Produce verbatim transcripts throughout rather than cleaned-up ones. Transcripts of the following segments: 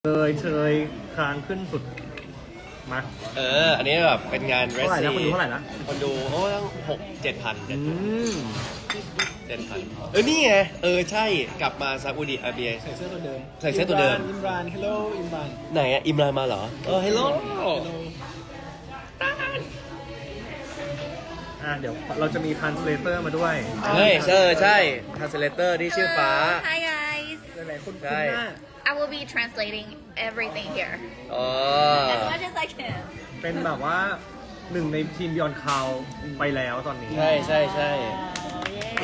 เลยเชยคางขึ้นสุดมาเออ อันนี้แบบเป็นงานเรสเท่าไหร่ซีนะคนดูเท่าไหร่นะคนดูโอ้ตั้งหกเจ็ดพันอืมเจ็ดพันเออ นี่ไง เออ ใช่ กลับมาซาอุดิอาระเบียใส่เสื้อตัวเดิมใส่เสื้อตัวเดิมอิมรานฮัลโหลอิมรานไหนอะอิมรานมาเหรอ เออฮัลโหลอ่ะเดี๋ยวเราจะมีทันสเลเตอร์มาด้วยเฮ้ยเออใช่ translator ที่ชื่อฟ้า Hi guys. หลายๆคนคุ้นใช่หน้า I will be translating everything here อ๋อ as much as I can. เป็นแบบว่าหนึ่งในทีมบ e ยอนคาวไปแล้วตอนนี้ใช่ใช่ใช่ Oh, เย้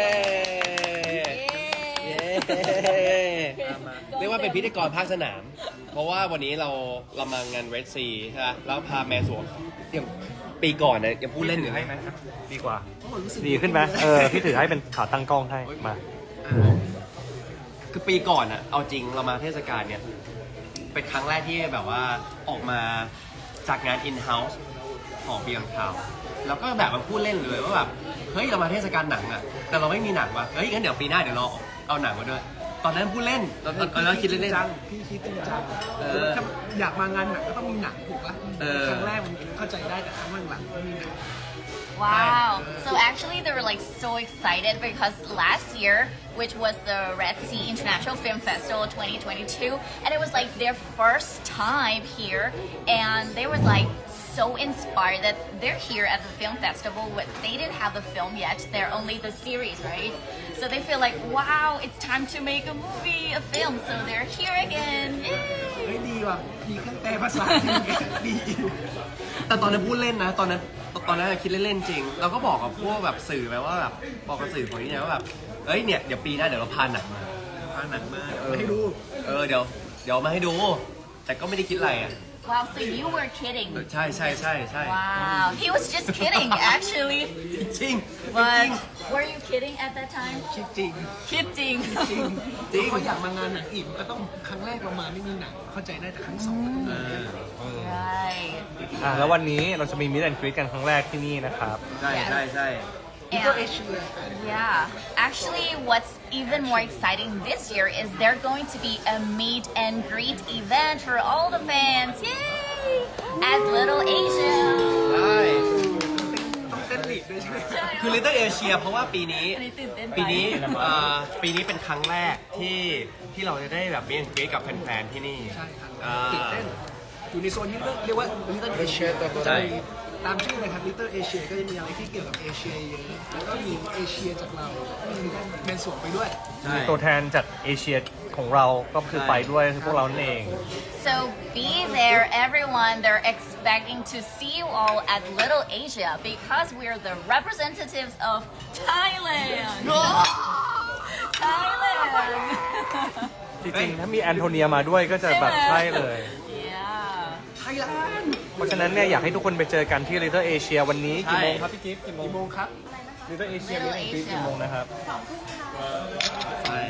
yeah. เย้ตามมาเรียกว่าเป็นพิธีกรภาคสนาม เพราะว่าวันนี้เราเรามางานเรดซีใช่ไหมแล้วพาแมนสวงอย่างปีก่อนนะยังพูดเล่นอยู่ให้ไหมดีกว่าโอ้รู้สึกดีขึ้นไหมเออพี่ถือให้เป็นขาตั้งกล้องให้มาคือปีก่อนอะเอาจริงเรามาเทศกาลเนี่ย เป็นครั้งแรกที่แบบว่าออกมาจากงาน in-house ของ Beyond Cloud แล้วก็แบบมาพูดเล่นเลยว่าแบบเฮ้ยเรามาเทศกาลหนังอะแต่เราไม่มีหนังว่ะเฮ้ยงั้นเดี๋ยวปีหน้าเดี๋ยวเราเอาหนังมาด้วย ตอนนั้นพูดเล่นตอนตอนนั้นคิดเล่นจังพี่คิดจริงจังเออถ้าอยากมางานหนังก็ต้องมีหนังถูกปะเออครั้งแรกมันเข้าใจได้แต่ครั้งหลังๆไม่มีหนัง Wow. So actually they were like so excited because last year, which was the Red Sea International Film Festival twenty twenty-two, and it was like their first time here, and they were like so inspired that they're here at the film festival, but they didn't have the film yet. They're only the series, right? So they feel like, wow, it's time to make a movie, a film. So they're here again. Yay! เฮ้ยดีว่ะมีเครื่องแปลภาษาดีแต่ตอนนั้นพูดเล่นนะ ตอนนั้นตอนนั้นคิดเล่นๆจริง เราก็บอกกับพวกแบบสื่อไปว่าแบบบอกกับสื่อของนี่นะว่าแบบเอ้ยเนี่ยเดี๋ยวปีหน้าเดี๋ยวเราพาหนังมาพาหนังมาๆให้ดูเออเดี๋ยวเดี๋ยวมาให้ดู แต่ก็ไม่ได้คิดอะไรอ่ะ Wow, so you were kidding. ใช่ใช่ใช่ใช่ Wow, he was just kidding actually. จริง But were you kidding at that time? คิดจริง Kidding. จริงจริงเขาอยากมางานหนังอีกมันก็ต้องครั้งแรกเรามาไม่มีหนังเข้าใจได้แต่ครั้งสองมันต้องมี Right. อ่ะแล้ววันนี้เราจะมีมิดแอนด์กรีดกันครั้งแรกที่นี่นะครับใช่ใช่ใช่นี่ก็เอ And เชีย yeah, actually, what's even more exciting this year is there's going to be a meet and greet event for all the fans. Yay! At Little Asia. ใช่ต้องเต้นลีดด้วยใช่ไหมคือ Little Asia เพราะว่าปีนี้อันนี้ตื่นเต้นไปปีนี้เอ่อปีนี้เป็นครั้งแรกที่ที่เราจะได้แบบมีเกรกับแฟนๆที่นี่ใช่ครับอ่าตื่นเต้นอยู่ในโซนที่เรียกว่า Little Asia ใช่ตามชื่อเลยครับ Little Asia ก็จะมีอะไรที่เกี่ยวกับเอเชียเยอะแล้วก็มีเอเชียจากเรามีแมนสวงไปด้วยใช่มีตัวแทนจากเอเชียของเราก็คือไปด้วยคือพวกเรานั่นเอง So be there, everyone. They're expecting to see you all at Little Asia because we're the representatives of Thailand. Thailand. จริงๆ ถ้ามีแอนโทเนียมาด้วยก็จะแบบใช่เลย Yeah. ไทยแลนด์เพราะฉะนั้นเนี่ยอยากให้ทุกคนไปเจอกันที่ Little Asia วันนี้กี่โมงครับพี่กิฟต์กี่โมงกี่โมงครับ Little Asia มิดแอนด์กรีดกี่โมงนะครับใช่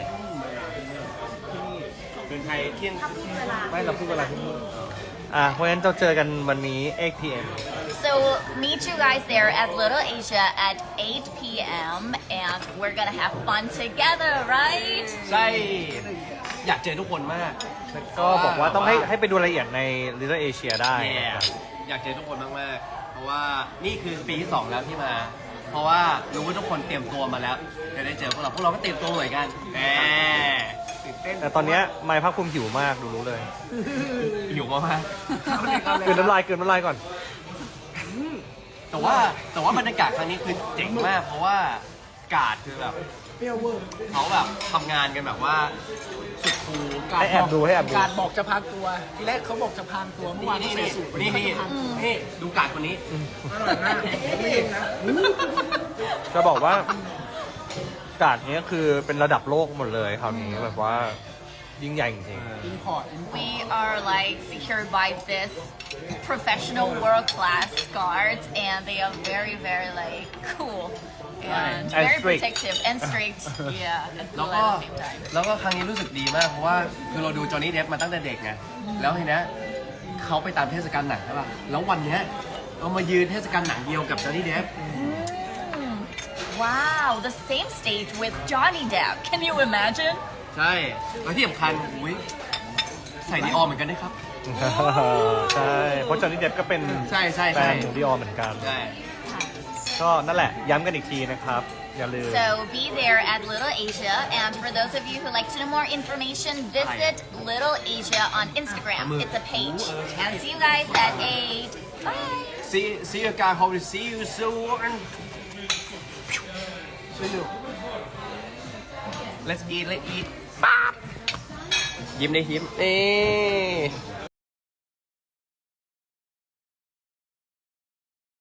เป็นไทยเที่ยงไม่เราพูดเวลาที่นี่อ่ะเพราะฉะนั้นเราเจอกันวันนี้ eight p m So meet you guys there at Little Asia at eight p m and we're gonna have fun together, right? ใช่ อยากเจอทุกคนมากก็บอกว่าต้องให้ให้ไปดูรายละเอียดใน Little Asia ได้แย่อยากเจอทุกคนมากๆ เพราะว่านี่คือปีที่สองแล้วที่มา เพราะว่ารู้ว่าทุกคนเตรียมตัวมาแล้วจะได้เจอพวกเรา พวกเราก็เตรียมตัวเหมือนกันแหมตื่นเต้นแต่ตอนเนี้ยไมค์ภาคภูมิหิวมากดูรู้เลยหิวมากเอาเลยเอาเลยเกินน้ำลายเกินน้ำลายก่อนๆแต่ว่าแต่ว่าบรรยากาศครั้งนี้คือเจ๋งมาก เพราะว่ากาดคือแบบเปรี้ยวเวอร์เขาแบบทำงานกันแบบว่าสุดคูลให้แอบดูให้แอบดูการบอกจะพางตัว ทีแรกเขาบอกจะพางตัวเมื่อวานนี่เขานี่ใส่สูทนี่นี่เขาจะพางตัวนี่ดูกาดคนนี้อร่อยมากไม่เองนะจะบอกว่าการ์ดเนี้ยคือเป็นระดับโลกหมดเลยคราวนี้แบบว่ายิ่งใหญ่จริงอินพอร์ตอินพอร์ต We are like secured by this professional world class guards and they are very very like cool and And very strict. protective and strict. Yeah, and แล้ว cool ก็ at the same time. แล้วก็ครั้งนี้รู้สึกดีมาก เพราะว่าคือเราดูจอห์นนี่เดฟมาตั้งแต่เด็กไงแล้วทีเนี้ยเขาไปตามเทศกาลหนังใช่ป่ะแล้ววันเนี้ยเรามายืนเทศกาลหนังเดียวกับจอห์นนี่เดฟ Wow, the same stage with Johnny Depp. Can you imagine? ใช่แล้วที่สำคัญอุ้ยใส่ดีออเหมือนกันด้วยครับใช่เพราะจอห์นนี่เดฟก็เป็นใช่ใช่แฟใช่นของดิออเหมือนกันใช่ก็นั่นแหละย้ำกันอีกทีนะครับ อย่าลืม So be there at Little Asia, and for those of you who like to know more information, visit Little Asia on Instagram. It's a page. And see you guys at eight. Bye. see see you guys hope to see you soon let's eat let's eat ป๊าบยิ้มได้ยิ้มเอ๊